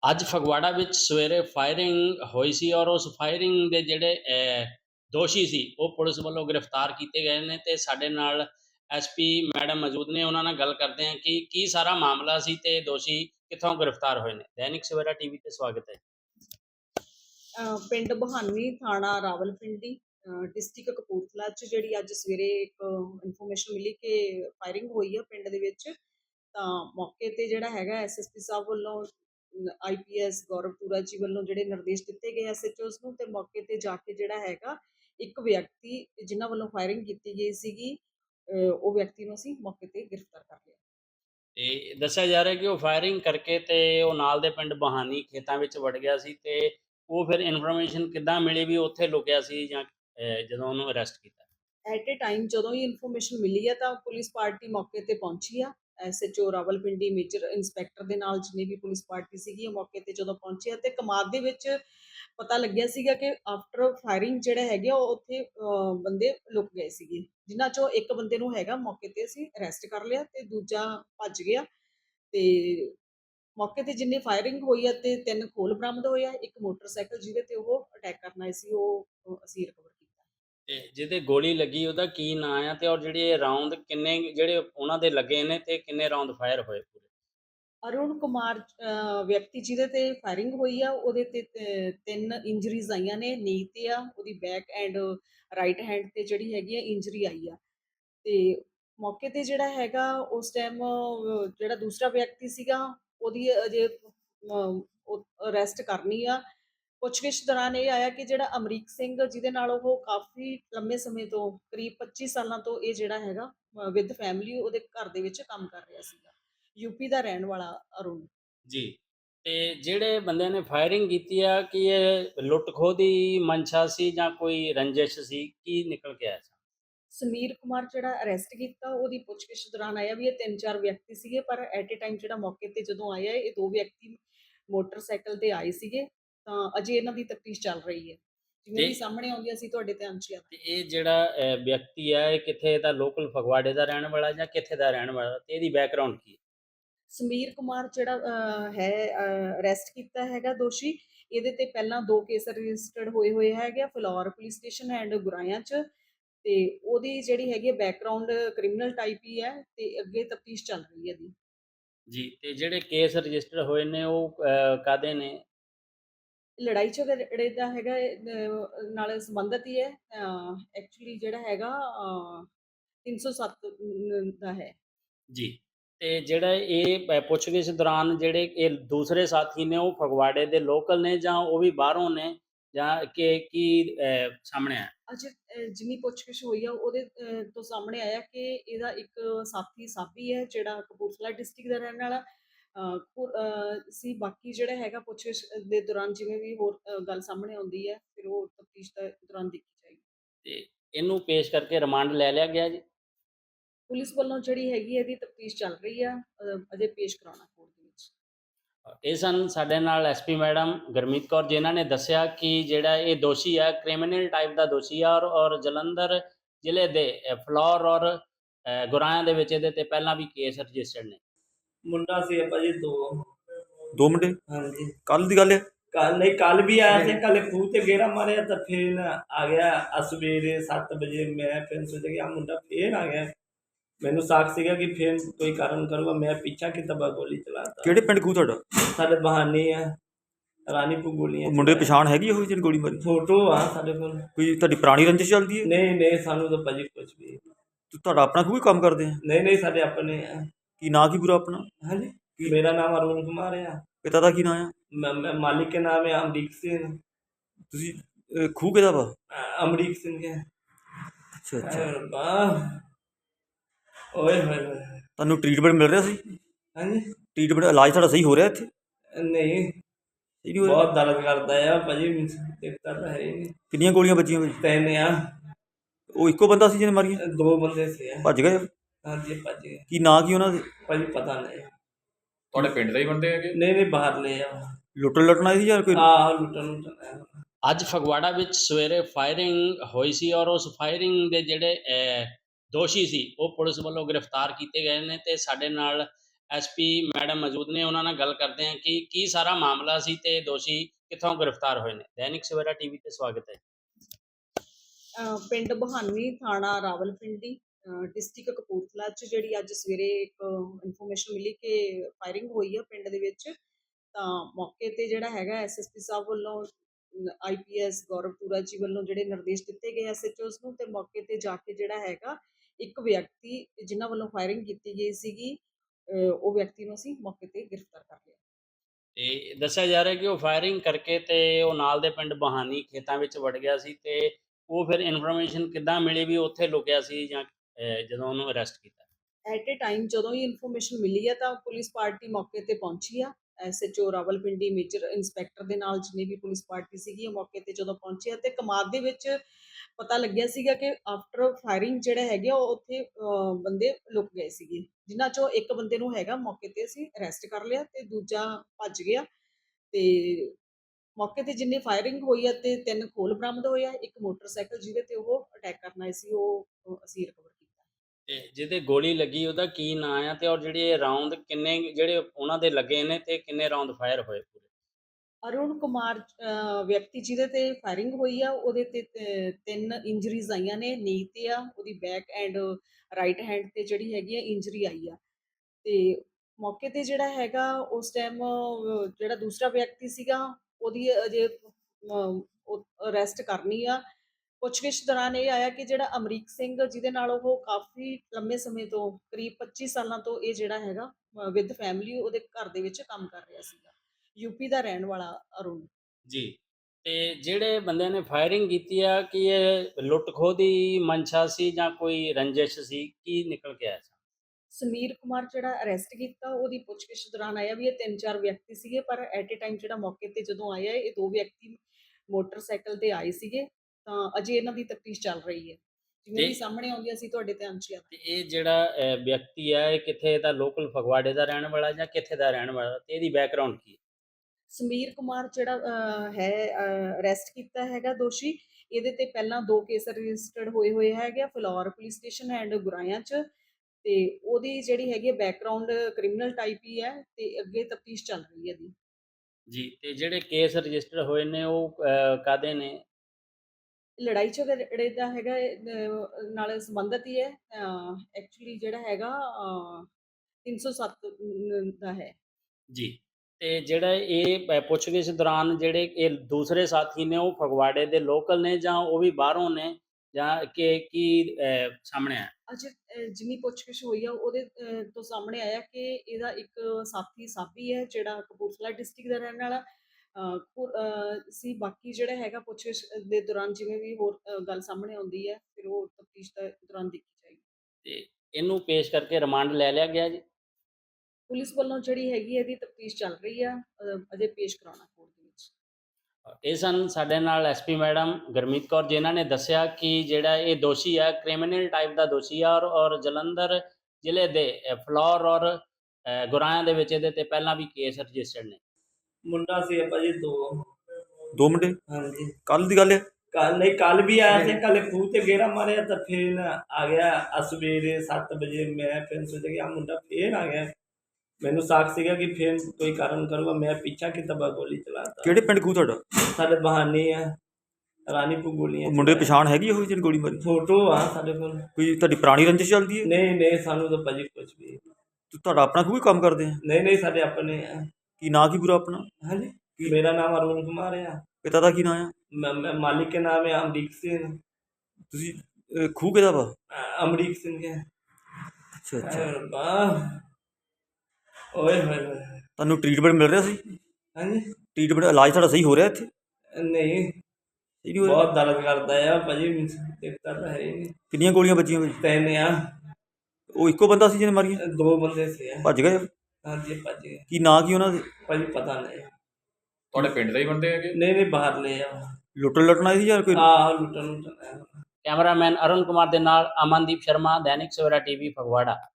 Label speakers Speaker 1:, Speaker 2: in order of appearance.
Speaker 1: ਅੱਜ ਫਗਵਾੜਾ ਵਿੱਚ ਸਵੇਰੇ ਫਾਇਰਿੰਗ ਹੋਈ ਸੀ ਔਰ ਉਸ ਫਾਇਰਿੰਗ ਦੇ ਜਿਹੜੇ ਦੋਸ਼ੀ ਸੀ ਉਹ ਪੁਲਿਸ ਵੱਲੋਂ ਗ੍ਰਿਫਤਾਰ ਕੀਤੇ ਗਏ ਨੇ ਤੇ ਸਾਡੇ ਨਾਲ ਐਸਪੀ ਮੈਡਮ ਮੌਜੂਦ ਨੇ। ਉਹਨਾਂ ਨਾਲ ਗੱਲ ਕਰਦੇ ਹਾਂ ਕਿ ਕੀ ਸਾਰਾ ਮਾਮਲਾ ਸੀ ਤੇ ਦੋਸ਼ੀ ਕਿੱਥੋਂ ਗ੍ਰਿਫਤਾਰ ਹੋਏ ਨੇ। ਦੈਨਿਕ ਸਵੇਰਾ ਟੀਵੀ ਤੇ ਸਵਾਗਤ ਹੈ।
Speaker 2: ਪਿੰਡ ਬਹਾਨੀ, ਥਾਣਾ ਰਾਵਲਪਿੰਡੀ, ਡਿਸਟ੍ਰਿਕਟ ਕਪੂਰਥਲਾ 'ਚ ਜਿਹੜੀ ਅੱਜ ਸਵੇਰੇ ਇੱਕ ਇਨਫੋਰਮੇਸ਼ਨ ਮਿਲੀ ਕਿ ਫਾਇਰਿੰਗ ਹੋਈ ਆ ਪਿੰਡ ਦੇ ਵਿੱਚ। ਤਾਂ ਮੌਕੇ ਤੇ ਜਿਹੜਾ ਹੈਗਾ ਐਸਐਸਪੀ ਸਾਹਿਬ ਵੱਲੋਂ ਆਈਪੀਐਸ ਗੌਰਵ ਤੂਰਾ ਜੀ ਵੱਲੋਂ ਜਿਹੜੇ ਨਿਰਦੇਸ਼ ਦਿੱਤੇ ਗਏ ਐਸਐਚਓਸ ਨੂੰ, ਤੇ ਮੌਕੇ ਤੇ ਜਾ ਕੇ ਜਿਹੜਾ ਹੈਗਾ ਇੱਕ ਵਿਅਕਤੀ ਜਿਨ੍ਹਾਂ ਵੱਲੋਂ ਫਾਇਰਿੰਗ ਕੀਤੀ ਗਈ ਸੀਗੀ, ਉਹ ਵਿਅਕਤੀ ਨੂੰ ਅਸੀਂ ਮੌਕੇ ਤੇ ਗ੍ਰਿਫਤਾਰ ਕਰ ਲਿਆ।
Speaker 1: ਤੇ ਦੱਸਿਆ ਜਾ ਰਿਹਾ ਕਿ ਉਹ ਫਾਇਰਿੰਗ ਕਰਕੇ ਤੇ ਉਹ ਨਾਲ ਦੇ ਪਿੰਡ ਬਹਾਨੀ ਖੇਤਾਂ ਵਿੱਚ ਵੜ ਗਿਆ ਸੀ ਤੇ ਉਹ ਫਿਰ ਇਨਫੋਰਮੇਸ਼ਨ ਕਿੱਦਾਂ ਮਿਲੀ ਵੀ ਉੱਥੇ ਲੁਕਿਆ ਸੀ ਜਾਂ ਜਦੋਂ ਉਹਨੂੰ ਅਰੈਸਟ ਕੀਤਾ?
Speaker 2: ਐਟ ਏ ਟਾਈਮ ਜਦੋਂ ਹੀ ਇਨਫੋਰਮੇਸ਼ਨ ਮਿਲੀ ਹੈ ਤਾਂ ਪੁਲਿਸ ਪਾਰਟੀ ਮੌਕੇ ਤੇ ਪਹੁੰਚੀ ਆ। ਐਸਐਚਓ ਰਾਵਲਪਿੰਡੀ ਮੇਜਰ ਇੰਸਪੈਕਟਰ ਦੇ ਨਾਲ ਜਿੰਨੀ ਵੀ ਪੁਲਿਸ ਪਾਰਟੀ ਸੀਗੀ ਉਹ ਮੌਕੇ ਤੇ ਜਦੋਂ ਪਹੁੰਚਿਆ ਤੇ ਕਮਾਦ ਦੇ ਵਿੱਚ ਪਤਾ ਲੱਗਿਆ ਸੀਗਾ ਕਿ ਆਫਟਰ ਫਾਇਰਿੰਗ ਜਿਹੜਾ ਹੈਗੇ ਉਹ ਉੱਥੇ ਬੰਦੇ ਲੁਕ ਗਏ ਸੀਗੇ, ਜਿਨ੍ਹਾਂ ਚੋਂ ਇੱਕ ਬੰਦੇ ਨੂੰ ਹੈਗਾ ਮੌਕੇ ਤੇ ਅਸੀਂ ਅਰੈਸਟ ਕਰ ਲਿਆ ਤੇ ਦੂਜਾ ਭੱਜ ਗਿਆ। ਤੇ ਮੌਕੇ ਤੇ ਜਿੰਨੀ ਫਾਇਰਿੰਗ ਹੋਈ ਹੈ ਤੇ 3 ਖੋਲ ਬਰਾਮਦ ਹੋਏ ਆ, ਇੱਕ ਮੋਟਰਸਾਈਕਲ ਜਿਹਦੇ ਤੇ ਉਹ ਅਟੈਕ ਕਰਨ ਆਏ ਸੀ ਉਹ ਅਸੀਂ ਰਿਕਵਰ ਕੀਤਾ।
Speaker 1: ਤੇ ਜਿਹਦੇ ਗੋਲੀ ਲੱਗੀ ਉਹਦਾ ਕੀ ਨਾਂ ਆ ਤੇ ਔਰ ਜਿਹੜੇ ਰਾਉਂਡ ਕਿੰਨੇ ਜਿਹੜੇ ਉਹਨਾਂ ਦੇ ਲੱਗੇ ਨੇ ਤੇ ਕਿੰਨੇ ਰਾਉਂਡ ਫਾਇਰ ਹੋਏ ਪੂਰੇ?
Speaker 2: ਅਰੁਣ ਕੁਮਾਰ ਵਿਅਕਤੀ ਜਿਹਦੇ ਤੇ ਫਾਇਰਿੰਗ ਹੋਈ ਆ ਉਹਦੇ ਤੇ 3 ਇੰਜਰੀਜ਼ ਆਈਆਂ ਨੇ। ਨੀ ਤੇ ਆ ਉਹਦੀ ਬੈਕ ਐਂਡ ਰਾਈਟ ਹੈਂਡ ਤੇ ਜਿਹੜੀ ਹੈਗੀ ਆ ਇੰਜਰੀ ਆਈ ਆ। ਤੇ ਮੌਕੇ ਤੇ ਜਿਹੜਾ ਹੈਗਾ ਉਸ ਟਾਈਮ ਜਿਹੜਾ ਦੂਸਰਾ ਵਿਅਕਤੀ ਸੀਗਾ ਉਹਦੀ ਅਜੇ ਅਰੈਸਟ ਕਰਨੀ ਆ। ਪੁੱਛਗਿੱਛ ਦੌਰਾਨ ਇਹ ਆਇਆ ਕਿ ਜਿਹੜਾ ਅਮਰੀਕ ਸਿੰਘ ਜਿਹਦੇ ਨਾਲ ਉਹ ਕਾਫੀ ਲੰਮੇ ਸਮੇਂ ਤੋਂ ਕਰੀਬ 25 ਸਾਲਾਂ ਤੋਂ ਇਹ ਜਿਹੜਾ ਹੈਗਾ ਵਿਦ ਫੈਮਿਲੀ ਉਹਦੇ ਘਰ ਦੇ ਵਿੱਚ ਕੰਮ ਕਰ ਰਿਹਾ ਸੀਗਾ। ਯੂਪੀ ਦਾ ਰਹਿਣ ਵਾਲਾ ਅਰੁਣ
Speaker 1: ਜੀ। ਤੇ ਜਿਹੜੇ ਬੰਦਿਆਂ ਨੇ ਫਾਇਰਿੰਗ ਕੀਤੀ ਆ ਕਿ ਇਹ ਲੁੱਟ ਖੋਹ ਦੀ ਮਨਸ਼ਾ ਸੀ ਜਾਂ ਕੋਈ ਰੰਜਿਸ਼ ਸੀ, ਕੀ ਨਿਕਲ ਕੇ ਆਇਆ ਸੀ?
Speaker 2: ਸਮੀਰ ਕੁਮਾਰ ਜਿਹੜਾ ਅਰੈਸਟ ਕੀਤਾ ਉਹਦੀ ਪੁੱਛਗਿੱਛ ਦੌਰਾਨ ਆਇਆ ਵੀ ਇਹ 3-4 ਵਿਅਕਤੀ ਸੀਗੇ, ਪਰ ਐਟ ਏ ਟਾਈਮ ਜਿਹੜਾ ਮੌਕੇ ਤੇ ਜਦੋਂ ਆਇਆ ਇਹ 2 ਵਿਅਕਤੀ ਮੋਟਰਸਾਈਕਲ ਤੇ ਆਏ ਸੀਗੇ। ਤਾਂ ਅਜੇ ਇਹਨਾਂ ਦੀ ਤਫਤੀਸ਼ ਚੱਲ ਰਹੀ ਹੈ, ਜਿਵੇਂ ਵੀ ਸਾਹਮਣੇ ਆਉਂਦੀ ਅਸੀਂ ਤੁਹਾਡੇ ਧਿਆਨ 'ਚ ਲਿਆਵਾਂਗੇ।
Speaker 1: ਤੇ ਇਹ ਜਿਹੜਾ ਵਿਅਕਤੀ ਹੈ ਇਹ ਕਿੱਥੇ ਦਾ ਲੋਕਲ ਫਗਵਾੜੇ ਦਾ ਰਹਿਣ ਵਾਲਾ ਜਾਂ ਕਿੱਥੇ ਦਾ ਰਹਿਣ ਵਾਲਾ ਤੇ ਇਹਦੀ ਬੈਕਗ੍ਰਾਉਂਡ ਕੀ ਹੈ?
Speaker 2: ਸਮੀਰ ਕੁਮਾਰ ਜਿਹੜਾ ਹੈ ਅਰੈਸਟ ਕੀਤਾ ਹੈਗਾ ਦੋਸ਼ੀ, ਇਹਦੇ ਤੇ ਪਹਿਲਾਂ 2 ਕੇਸ ਰਜਿਸਟਰਡ ਹੋਏ ਹੈਗੇ Phillaur police station and Goraya 'ਚ। ਤੇ ਉਹਦੀ ਜਿਹੜੀ ਹੈਗੀ ਬੈਕਗ੍ਰਾਉਂਡ ਕ੍ਰਿਮੀਨਲ ਟਾਈਪ ਹੀ ਹੈ ਤੇ ਅੱਗੇ ਤਫਤੀਸ਼ ਚੱਲ ਰਹੀ ਹੈ ਇਹਦੀ।
Speaker 1: ਜੀ। ਤੇ ਜਿਹੜੇ ਕੇਸ ਰਜਿਸਟਰ ਹੋਏ ਨੇ ਉਹ ਕਾਦੇ ਨੇ?
Speaker 2: ਲੜਾਈ ਝਗੜੇ ਦਾ ਹੈਗਾ ਨਾਲ ਸੰਬੰਧਿਤ ਹੀ ਹੈ। ਐਕਚੁਅਲੀ ਜਿਹੜਾ ਹੈਗਾ 307 ਦਾ ਹੈ।
Speaker 1: ਜੀ। ਤੇ ਜਿਹੜਾ ਇਹ ਪੁੱਛਗਿੱਛ ਦੌਰਾਨ ਜਿਹੜੇ ਇਹ ਦੂਸਰੇ ਸਾਥੀ ਨੇ ਉਹ ਫਗਵਾੜੇ ਦੇ ਲੋਕਲ ਨੇ ਜਾਂ ਉਹ ਵੀ ਬਾਹਰੋਂ ਨੇ ਜਾਂ ਕੀ ਸਾਹਮਣੇ ਆਇਆ?
Speaker 2: ਅਜੇ ਜਿੰਨੀ ਪੁੱਛਗਿੱਛ ਹੋਈ ਆ ਉਹਦੇ ਤੋਂ ਸਾਹਮਣੇ ਆਇਆ ਕਿ ਇਹਦਾ ਇੱਕ ਸਾਥੀ ਸਾਬੀ ਹੈ ਜਿਹੜਾ ਕਪੂਰਥਲਾ ਡਿਸਟ੍ਰਿਕਟ ਦਾ ਰਹਿਣ ਵਾਲਾ ਸੀ। ਬਾਕੀ ਜਿਹੜਾ ਹੈਗਾ ਪੁੱਛਗਿੱਛ ਦੇ ਦੌਰਾਨ ਜਿਵੇਂ ਵੀ ਹੋਰ ਗੱਲ ਸਾਹਮਣੇ ਆਉਂਦੀ ਹੈ ਫਿਰ ਉਹ ਤਫਤੀਸ਼ ਦੇ ਦੌਰਾਨ ਦੇਖੀ ਜਾਏਗੀ।
Speaker 1: ਤੇ ਇਹਨੂੰ ਪੇਸ਼ ਕਰਕੇ ਰਿਮਾਂਡ ਲੈ ਲਿਆ ਗਿਆ ਜੀ?
Speaker 2: ਪੁਲਿਸ ਵੱਲੋਂ ਜਿਹੜੀ ਹੈਗੀ ਇਹਦੀ ਤਫਤੀਸ਼ ਚੱਲ ਰਹੀ ਆ, ਅਜੇ ਪੇਸ਼ ਕਰਾਉਣਾ ਕੋਰਟ ਦੇ ਵਿੱਚ।
Speaker 1: ਇਹ ਸਨ ਸਾਡੇ ਨਾਲ ਐਸਪੀ ਮੈਡਮ ਗੁਰਮੀਤ ਕੌਰ, ਜਿਨ੍ਹਾਂ ਨੇ ਦੱਸਿਆ ਕਿ ਜਿਹੜਾ ਇਹ ਦੋਸ਼ੀ ਹੈ ਕ੍ਰਿਮੀਨਲ ਟਾਈਪ ਦਾ ਦੋਸ਼ੀ ਆ ਔਰ ਜਲੰਧਰ ਜ਼ਿਲ੍ਹੇ ਦੇ ਫਲੋਰ ਔਰ ਗੁਰਾਇਆਂ ਦੇ ਵਿੱਚ ਇਹਦੇ ਤੇ ਪਹਿਲਾਂ ਵੀ ਕੇਸ ਰਜਿਸਟਰਡ ਨੇ।
Speaker 3: ਮੁੰਡਾ ਸੀ ਭਾਜੀ
Speaker 4: ਦੋ ਮੁੰਡੇ
Speaker 3: ਹਾਂਜੀ
Speaker 4: ਕੱਲ ਦੀ ਗੱਲ ਹੈ।
Speaker 3: ਕੱਲ ਵੀ ਆਇਆ ਸੀ। ਕੱਲ ਖੂਹ ਤੇ ਗੇੜਾ ਮਾਰਿਆ ਤਾਂ ਫਿਰ ਆ ਗਿਆ ਸਵੇਰੇ 7 ਵਜੇ। ਮੈਂ ਫਿਰ ਸੋਚਿਆ ਕਿ ਆ ਮੁੰਡਾ ਫੇਰ ਆ ਗਿਆ। ਮੈਨੂੰ ਸ਼ੱਕ ਸੀਗਾ ਕਿ ਫਿਰ ਕੋਈ ਕਾਰਨ ਕਰੂਗਾ। ਮੈਂ ਪਿੱਛਾ ਕੀਤਾ ਗੋਲੀ ਚਲਾਤਾ।
Speaker 4: ਕਿਹੜੇ ਪਿੰਡ ਕੂ ਤੁਹਾਡਾ?
Speaker 3: ਸਾਡੇ ਬਹਾਨੇ ਆ ਰਾਨੀਪੁਰ ਗੋਲੀਆਂ।
Speaker 4: ਮੁੰਡੇ ਦੀ ਪਛਾਣ ਹੈਗੀ ਉਹ ਜਿਹਨੇ ਗੋਲੀ ਮਾਰੀ?
Speaker 3: ਫੋਟੋ ਆ ਸਾਡੇ ਕੋਲ।
Speaker 4: ਕੋਈ ਤੁਹਾਡੀ ਪੁਰਾਣੀ ਰੰਜਿਸ਼ ਚੱਲਦੀ ਹੈ?
Speaker 3: ਨਹੀਂ ਸਾਨੂੰ ਤਾਂ ਭਾਜੀ ਕੁਝ ਵੀ।
Speaker 4: ਤੁਹਾਡਾ ਆਪਣਾ ਕੋਈ ਕੰਮ ਕਰਦੇ ਆ?
Speaker 3: ਨਹੀਂ ਸਾਡੇ ਆਪਣੇ ਆ।
Speaker 4: ਕੀ ਨਾਂ ਕੀ ਪੂਰਾ ਆਪਣਾ?
Speaker 3: ਹਾਂਜੀ ਮੇਰਾ ਨਾਮ ਅਰੁਣ ਕੁਮਾਰ ਆ।
Speaker 4: ਪਿਤਾ ਦਾ ਕੀ ਨਾਂ ਆ?
Speaker 3: ਮਾलिक के नाम है अमरीक सिंह।
Speaker 4: ਤੁਸੀਂ ਖੂਹ ਕਿਹਦਾ ਵਾ?
Speaker 3: अमरीक सिंह है।
Speaker 4: ਅੱਛਾ
Speaker 3: ओए होए
Speaker 4: ਤੁਹਾਨੂੰ ਟ੍ਰੀਟਮੈਂਟ ਮਿਲ ਰਿਹਾ ਸੀ?
Speaker 3: ਹਾਂਜੀ
Speaker 4: ਟ੍ਰੀਟਮੈਂਟ ਇਲਾਜ ਤੁਹਾਡਾ ਸਹੀ ਹੋ ਰਿਹਾ ਇੱਥੇ?
Speaker 3: नहीं
Speaker 4: ਸਹੀ ਨਹੀਂ ਹੋ ਰਿਹਾ?
Speaker 3: बहुत दर्द करता है भाजी। देखता तो है ही नहीं।
Speaker 4: ਕਿੰਨੀਆਂ ਗੋਲੀਆਂ ਵੱਜੀਆਂ ਭਾਜੀ?
Speaker 3: 3 आ।
Speaker 4: ਉਹ ਇੱਕੋ ਬੰਦਾ ਸੀ ਜਿਹਨੇ ਮਾਰੀਆਂ?
Speaker 3: 2 बंदे से
Speaker 4: ਭੱਜ ਗਏ?
Speaker 3: हाँ जी भज गए
Speaker 4: ਕੀ ਨਾਂ ਕੀ ਉਹਨਾਂ ਦੇ?
Speaker 3: भाजी पता नहीं।
Speaker 5: ਤੁਹਾਡੇ ਪਿੰਡ ਦੇ ਹੀ ਬੰਦੇ ਹੈਗੇ?
Speaker 3: नहीं बाहर ले आ।
Speaker 4: ਲੁੱਟਣ ਆਏ ਸੀ ਜਾਂ ਕੋਈ?
Speaker 3: लुटन
Speaker 1: ਅੱਜ ਫਗਵਾੜਾ ਵਿੱਚ ਸਵੇਰੇ ਫਾਇਰਿੰਗ ਹੋਈ ਸੀ ਔਰ ਉਸ ਫਾਇਰਿੰਗ ਦੇ ਜਿਹੜੇ ਦੋਸ਼ੀ ਸੀ ਉਹ ਪੁਲਿਸ ਵੱਲੋਂ ਗ੍ਰਿਫਤਾਰ ਕੀਤੇ ਗਏ ਨੇ ਤੇ ਸਾਡੇ ਨਾਲ ਐਸਪੀ ਮੈਡਮ ਮੌਜੂਦ ਨੇ, ਉਹਨਾਂ ਨਾਲ ਗੱਲ ਕਰਦੇ ਹਾਂ ਕਿ ਕੀ ਸਾਰਾ ਮਾਮਲਾ ਸੀ ਤੇ ਦੋਸ਼ੀ ਕਿੱਥੋਂ ਗ੍ਰਿਫਤਾਰ ਹੋਏ ਨੇ। ਦੈਨਿਕ ਸਵੇਰਾ ਟੀਵੀ ਤੇ ਸਵਾਗਤ ਹੈ।
Speaker 2: ਪਿੰਡ ਬਹਾਨੀ, ਥਾਣਾ ਰਾਵਲਪਿੰਡੀ, ਡਿਸਟ੍ਰਿਕਟ ਕਪੂਰਥਲਾ 'ਚ ਜਿਹੜੀ ਅੱਜ ਸਵੇਰੇ ਇੱਕ ਇਨਫੋਰਮੇਸ਼ਨ ਮਿਲੀ ਕਿ ਫਾਇਰਿੰਗ ਹੋਈ ਆ ਪਿੰਡ ਦੇ ਵਿੱਚ। ਤਾਂ ਮੌਕੇ ਤੇ ਜਿਹੜਾ ਹੈਗਾ ਐਸਐਸਪੀ ਸਾਹਿਬ ਵੱਲੋਂ ਆਈਪੀਐਸ ਗੌਰਵ ਤੂਰਾ ਜੀ ਵੱਲੋਂ ਜਿਹੜੇ ਨਿਰਦੇਸ਼ ਦਿੱਤੇ ਗਏ ਐਸਐਚਓਸ ਨੂੰ, ਤੇ ਮੌਕੇ ਤੇ ਜਾ ਕੇ ਜਿਹੜਾ ਹੈਗਾ ਇੱਕ ਵਿਅਕਤੀ ਜਿਨ੍ਹਾਂ ਵੱਲੋਂ ਫਾਇਰਿੰਗ ਕੀਤੀ ਗਈ ਸੀਗੀ, ਉਹ ਵਿਅਕਤੀ ਨੂੰ ਅਸੀਂ ਮੌਕੇ ਤੇ ਗ੍ਰਿਫਤਾਰ ਕਰ ਲਿਆ।
Speaker 1: ਤੇ ਦੱਸਿਆ ਜਾ ਰਿਹਾ ਕਿ ਉਹ ਫਾਇਰਿੰਗ ਕਰਕੇ ਤੇ ਉਹ ਨਾਲ ਦੇ ਪਿੰਡ ਬਹਾਨੀ ਖੇਤਾਂ ਵਿੱਚ ਵੜ ਗਿਆ ਸੀ, ਤੇ ਉਹ ਫਿਰ ਇਨਫੋਰਮੇਸ਼ਨ ਕਿੱਦਾਂ ਮਿਲੀ ਵੀ ਉੱਥੇ ਲੁਕਿਆ ਸੀ ਜਾਂ ਜਦੋਂ ਉਹਨੂੰ ਅਰੈਸਟ ਕੀਤਾ?
Speaker 2: ਐਟ ਏ ਟਾਈਮ ਜਦੋਂ ਹੀ ਇਨਫੋਰਮੇਸ਼ਨ ਮਿਲੀ ਹੈ ਤਾਂ ਪੁਲਿਸ ਪਾਰਟੀ ਮੌਕੇ ਤੇ ਪਹੁੰਚੀ ਆ। ਐਸਐਚਓ ਰਾਵਲਪਿੰਡੀ ਮੇਜਰ ਇੰਸਪੈਕਟਰ ਦੇ ਨਾਲ ਜਿੰਨੀ ਵੀ ਪੁਲਿਸ ਪਾਰਟੀ ਸੀਗੀ ਉਹ ਮੌਕੇ ਤੇ ਜਦੋਂ ਪਹੁੰਚਿਆ, ਤੇ ਕਮਾਦ ਦੇ ਵਿੱਚ ਪਤਾ ਲੱਗਿਆ ਸੀਗਾ ਕਿ ਆਫਟਰ ਫਾਇਰਿੰਗ ਜਿਹੜਾ ਹੈਗੇ ਉਹ ਉੱਥੇ ਬੰਦੇ ਲੁਕ ਗਏ ਸੀਗੇ, ਜਿਨ੍ਹਾਂ ਚੋਂ ਇੱਕ ਬੰਦੇ ਨੂੰ ਹੈਗਾ ਮੌਕੇ ਤੇ ਅਸੀਂ ਅਰੈਸਟ ਕਰ ਲਿਆ ਤੇ ਦੂਜਾ ਭੱਜ ਗਿਆ। ਤੇ ਮੌਕੇ ਤੇ ਜਿੰਨੀ ਫਾਇਰਿੰਗ ਹੋਈ ਆ ਤੇ 3 ਖੋਲ ਬਰਾਮਦ ਹੋਏ ਆ, ਇੱਕ ਮੋਟਰਸਾਈਕਲ ਜਿਹਦੇ ਤੇ ਉਹ ਅਟੈਕ ਕਰਨ ਆਏ ਸੀ ਉਹ ਅਸੀਂ ਰਿਕਵਰ ਕੀਤਾ।
Speaker 1: ਤੇ ਜਿਹਦੇ ਗੋਲੀ ਲੱਗੀ ਉਹਦਾ ਕੀ ਨਾਂ ਆ, ਤੇ ਔਰ ਜਿਹੜੇ ਰਾਉਂਡ ਕਿੰਨੇ ਜਿਹੜੇ ਉਹਨਾਂ ਦੇ ਲੱਗੇ ਨੇ ਤੇ ਕਿੰਨੇ ਰਾਉਂਡ ਫਾਇਰ ਹੋਏ ਪੂਰੇ?
Speaker 2: ਅਰੁਣ ਕੁਮਾਰ ਵਿਅਕਤੀ ਜਿਹਦੇ ਤੇ ਫਾਇਰਿੰਗ ਹੋਈ ਆ, ਉਹਦੇ ਤੇ 3 ਇੰਜਰੀਜ਼ ਆਈਆਂ ਨੇ। ਨੀ ਤੇ ਆ, ਉਹਦੀ ਬੈਕ ਐਂਡ ਰਾਈਟ ਹੈਂਡ ਤੇ ਜਿਹੜੀ ਹੈਗੀ ਆ ਇੰਜਰੀ ਆਈ ਆ। ਤੇ ਮੌਕੇ ਤੇ ਜਿਹੜਾ ਹੈਗਾ ਉਸ ਟਾਈਮ ਜਿਹੜਾ ਦੂਸਰਾ ਵਿਅਕਤੀ ਸੀਗਾ ਉਹਦੀ ਅਜੇ ਅਰੈਸਟ ਕਰਨੀ ਆ। ਪੁੱਛਗਿੱਛ ਦੌਰਾਨ ਇਹ ਆਇਆ ਕਿ ਜਿਹੜਾ ਅਮਰੀਕ ਸਿੰਘ ਜਿਹਦੇ ਨਾਲ ਉਹ ਕਾਫੀ ਲੰਮੇ ਸਮੇਂ ਤੋਂ ਕਰੀਬ 25 ਸਾਲਾਂ ਤੋਂ ਇਹ ਜਿਹੜਾ ਹੈਗਾ ਵਿਦ ਫੈਮਿਲੀ ਉਹਦੇ ਘਰ ਦੇ ਵਿੱਚ ਕੰਮ ਕਰ ਰਿਹਾ ਸੀਗਾ, ਯੂਪੀ ਦਾ ਰਹਿਣ ਵਾਲਾ ਅਰੁਣ।
Speaker 1: ਜੀ। ਤੇ ਜਿਹੜੇ ਬੰਦਿਆਂ ਨੇ ਫਾਇਰਿੰਗ ਕੀਤੀ ਆ, ਕੀ ਇਹ ਲੁੱਟ ਖੋਹ ਦੀ ਮਨਸ਼ਾ ਸੀ ਜਾਂ ਕੋਈ ਰੰਜਿਸ਼ ਸੀ, ਕੀ ਨਿਕਲ ਕੇ ਆਇਆ ਸੀ?
Speaker 2: ਸਮੀਰ ਕੁਮਾਰ ਜਿਹੜਾ ਅਰੈਸਟ ਕੀਤਾ ਉਹਦੀ ਪੁੱਛਗਿੱਛ ਦੌਰਾਨ ਆਇਆ ਵੀ ਇਹ 3-4 ਵਿਅਕਤੀ ਸੀਗੇ, ਪਰ ਐਟ ਏ ਟਾਈਮ ਜਿਹੜਾ ਮੌਕੇ ਤੇ ਜਦੋਂ ਆਇਆ ਇਹ 2 ਵਿਅਕਤੀ ਮੋਟਰਸਾਈਕਲ ਤੇ ਆਏ ਸੀਗੇ। ਤਾਂ ਅਜੇ ਇਹਨਾਂ ਦੀ ਤਫਤੀਸ਼ ਚੱਲ ਰਹੀ ਹੈ, ਜਿਵੇਂ ਵੀ ਸਾਹਮਣੇ ਆਉਂਦੀ ਅਸੀਂ ਤੁਹਾਡੇ ਧਿਆਨ 'ਚ ਲਿਆਵਾਂਗੇ।
Speaker 1: ਤੇ ਇਹ ਜਿਹੜਾ ਵਿਅਕਤੀ ਹੈ ਇਹ ਕਿੱਥੇ ਦਾ ਲੋਕਲ ਫਗਵਾੜੇ ਦਾ ਰਹਿਣ ਵਾਲਾ ਜਾਂ ਕਿੱਥੇ ਦਾ ਰਹਿਣ ਵਾਲਾ, ਤੇ ਇਹਦੀ ਬੈਕਗ੍ਰਾਉਂਡ ਕੀ ਹੈ?
Speaker 2: ਸਮੀਰ ਕੁਮਾਰ ਜਿਹੜਾ ਹੈ ਅਰੈਸਟ ਕੀਤਾ ਹੈਗਾ ਦੋਸ਼ੀ, ਇਹਦੇ ਤੇ ਪਹਿਲਾਂ 2 ਕੇਸ ਰਜਿਸਟਰਡ ਹੋਏ ਹੈਗੇ ਆ Phillaur police station and Goraya 'ਚ। ਤੇ ਉਹਦੀ ਜਿਹੜੀ ਹੈਗੀ ਬੈਕਗ੍ਰਾਉਂਡ ਕ੍ਰਿਮੀਨਲ ਟਾਈਪ ਹੀ ਹੈ ਤੇ ਅੱਗੇ ਤਫਤੀਸ਼ ਚੱਲ ਰਹੀ ਹੈ ਇਹਦੀ।
Speaker 1: ਜੀ। ਤੇ ਜਿਹੜੇ ਕੇਸ ਰਜਿਸਟਰ ਹੋਏ ਨੇ ਉਹ ਕਾਹਦੇ ਨੇ?
Speaker 2: ਲੜਾਈ ਝਗੜੇ ਦਾ ਹੈਗਾ, ਨਾਲ ਸੰਬੰਧਿਤ ਹੀ ਹੈ। ਐਕਚੁਅਲੀ ਜਿਹੜਾ ਹੈਗਾ 307 ਦਾ ਹੈ।
Speaker 1: ਜੀ। ਤੇ ਜਿਹੜਾ ਇਹ ਪੁੱਛਗਿੱਛ ਦੌਰਾਨ ਜਿਹੜੇ ਇਹ ਦੂਸਰੇ ਸਾਥੀ ਨੇ ਉਹ ਫਗਵਾੜੇ ਦੇ ਲੋਕਲ ਨੇ ਜਾਂ ਉਹ ਵੀ ਬਾਹਰੋਂ ਨੇ, ਜਾਂ ਕੀ ਸਾਹਮਣੇ ਆਇਆ?
Speaker 2: ਅਜੇ ਜਿੰਨੀ ਪੁੱਛਗਿੱਛ ਹੋਈ ਆ ਉਹਦੇ ਤੋਂ ਸਾਹਮਣੇ ਆਇਆ ਕਿ ਇਹਦਾ ਇੱਕ ਸਾਥੀ ਸਾਬੀ ਹੈ ਜਿਹੜਾ ਕਪੂਰਥਲਾ ਡਿਸਟ੍ਰਿਕਟ ਦਾ ਰਹਿਣ ਵਾਲਾ ਸੀ। ਬਾਕੀ ਜਿਹੜਾ ਹੈਗਾ ਪੁੱਛਗਿੱਛ ਦੇ ਦੌਰਾਨ ਜਿਵੇਂ ਵੀ ਹੋਰ ਗੱਲ ਸਾਹਮਣੇ ਆਉਂਦੀ ਹੈ ਫਿਰ ਉਹ ਤਫਤੀਸ਼ ਦੇ ਦੌਰਾਨ ਦੇਖੀ ਜਾਏਗੀ।
Speaker 1: ਤੇ ਇਹਨੂੰ ਪੇਸ਼ ਕਰਕੇ ਰਿਮਾਂਡ ਲੈ ਲਿਆ ਗਿਆ ਜੀ?
Speaker 2: ਪੁਲਿਸ ਵੱਲੋਂ ਜਿਹੜੀ ਹੈਗੀ ਇਹਦੀ ਤਫਤੀਸ਼ ਚੱਲ ਰਹੀ ਆ, ਅਜੇ ਪੇਸ਼ ਕਰਾਉਣਾ ਕੋਰਟ ਦੇ ਵਿੱਚ।
Speaker 1: ਇਹ ਸਨ ਸਾਡੇ ਨਾਲ ਐਸਪੀ ਮੈਡਮ ਗੁਰਮੀਤ ਕੌਰ, ਜਿਨ੍ਹਾਂ ਨੇ ਦੱਸਿਆ ਕਿ ਜਿਹੜਾ ਇਹ ਦੋਸ਼ੀ ਹੈ ਕ੍ਰਿਮੀਨਲ ਟਾਈਪ ਦਾ ਦੋਸ਼ੀ ਆ ਔਰ ਜਲੰਧਰ ਜ਼ਿਲ੍ਹੇ ਦੇ ਫਲੌਰ ਔਰ ਗੁਰਾਇਆਂ ਦੇ ਵਿੱਚ ਇਹਦੇ ਤੇ ਪਹਿਲਾਂ ਵੀ ਕੇਸ ਰਜਿਸਟਰਡ ਨੇ।
Speaker 3: ਮੁੰਡਾ ਸੀ ਭਾਜੀ
Speaker 4: 2 ਮੁੰਡੇ
Speaker 3: ਹਾਂਜੀ।
Speaker 4: ਕੱਲ ਦੀ ਗੱਲ ਹੈ?
Speaker 3: ਕੱਲ ਵੀ ਆਇਆ ਸੀ, ਕੱਲ ਖੂਹ ਤੇ ਗੇੜਾ ਮਾਰਿਆ ਤਾਂ ਫਿਰ ਆ ਗਿਆ ਸਵੇਰੇ 7 ਵਜੇ। ਮੈਂ ਫਿਰ ਸੋਚਿਆ ਕਿ ਆ ਮੁੰਡਾ ਫੇਰ ਆ ਗਿਆ, ਮੈਨੂੰ ਸ਼ੱਕ ਸੀਗਾ ਕਿ ਫਿਰ ਕੋਈ ਕਾਰਨ ਕਰੂਗਾ। ਮੈਂ ਪਿੱਛਾ ਕੀਤਾ, ਗੋਲੀ ਚਲਾਤਾ।
Speaker 4: ਕਿਹੜੇ ਪਿੰਡ ਕੂ ਤੁਹਾਡਾ?
Speaker 3: ਸਾਡੇ ਬਹਾਨੇ ਆ, ਰਾਣੀਪੁਰ ਗੋਲੀਆਂ।
Speaker 4: ਮੁੰਡੇ ਦੀ ਪਛਾਣ ਹੈਗੀ ਉਹ ਜਿਹਨੇ ਗੋਲੀ ਮਾਰੀ?
Speaker 3: ਫੋਟੋ ਆ ਸਾਡੇ ਕੋਲ।
Speaker 4: ਕੋਈ ਤੁਹਾਡੀ ਪੁਰਾਣੀ ਰੰਜਿਸ਼ ਚੱਲਦੀ ਹੈ?
Speaker 3: ਨਹੀਂ ਸਾਨੂੰ ਤਾਂ ਭਾਜੀ ਕੁਝ ਵੀ
Speaker 4: ਤੁਹਾਡਾ ਆਪਣਾ ਕੋਈ ਕੰਮ ਕਰਦੇ ਆ?
Speaker 3: ਨਹੀਂ ਸਾਡੇ ਆਪਣੇ ਆ।
Speaker 4: ਕੀ ਨਾਂ ਕੀ ਪੂਰਾ ਆਪਣਾ?
Speaker 3: ਹਾਂਜੀ, ਮੇਰਾ ਨਾਮ ਅਰੁਣ ਕੁਮਾਰ ਆ।
Speaker 4: ਪਿਤਾ ਦਾ ਕੀ ਨਾਂ ਆ?
Speaker 3: ਮਾलिक के नाम है अमरीक सिंह।
Speaker 4: ਤੁਸੀਂ ਖੂਹ ਕਿਹਦਾ ਵਾ?
Speaker 3: अमरीक सिंह है।
Speaker 4: ਅੱਛਾ।
Speaker 3: ओए होए
Speaker 4: ਤੁਹਾਨੂੰ ਟ੍ਰੀਟਮੈਂਟ ਮਿਲ ਰਿਹਾ ਸੀ?
Speaker 3: ਹਾਂਜੀ।
Speaker 4: ਟ੍ਰੀਟਮੈਂਟ ਇਲਾਜ ਤੁਹਾਡਾ ਸਹੀ ਹੋ ਰਿਹਾ ਇੱਥੇ?
Speaker 3: नहीं,
Speaker 4: ਸਹੀ ਨਹੀਂ ਹੋ ਰਿਹਾ?
Speaker 3: बहुत दर्द करता है भाजी, देखता तो है ही नहीं।
Speaker 4: ਕਿੰਨੀਆਂ ਗੋਲੀਆਂ ਵੱਜੀਆਂ ਭਾਜੀ?
Speaker 3: 3 आ,
Speaker 4: ਉਹ ਇੱਕੋ ਬੰਦਾ ਸੀ ਜਿਹਨੇ ਮਾਰੀਆਂ?
Speaker 3: 2 बंदे से
Speaker 4: ਭੱਜ ਗਏ?
Speaker 3: हाँ जी, भज गए
Speaker 4: ਕੀ ਨਾਂ ਕੀ ਉਹਨਾਂ ਦੇ?
Speaker 3: भाजी, पता नहीं।
Speaker 5: ਤੁਹਾਡੇ ਪਿੰਡ ਦੇ ਹੀ ਬੰਦੇ ਹੈਗੇ?
Speaker 3: नहीं बाहर ले आओ।
Speaker 4: ਲੁੱਟਣ ਆਏ ਸੀ ਜਾਂ ਕੋਈ?
Speaker 3: लुटन
Speaker 1: ਕੈਮਰਾਮੈਨ ਅਰੁਣ ਕੁਮਾਰ ਦੇ ਨਾਲ ਅਮਨਦੀਪ ਸ਼ਰਮਾ, ਦੈਨਿਕ ਸਵੇਰਾ ਟੀਵੀ ਫਗਵਾੜਾ।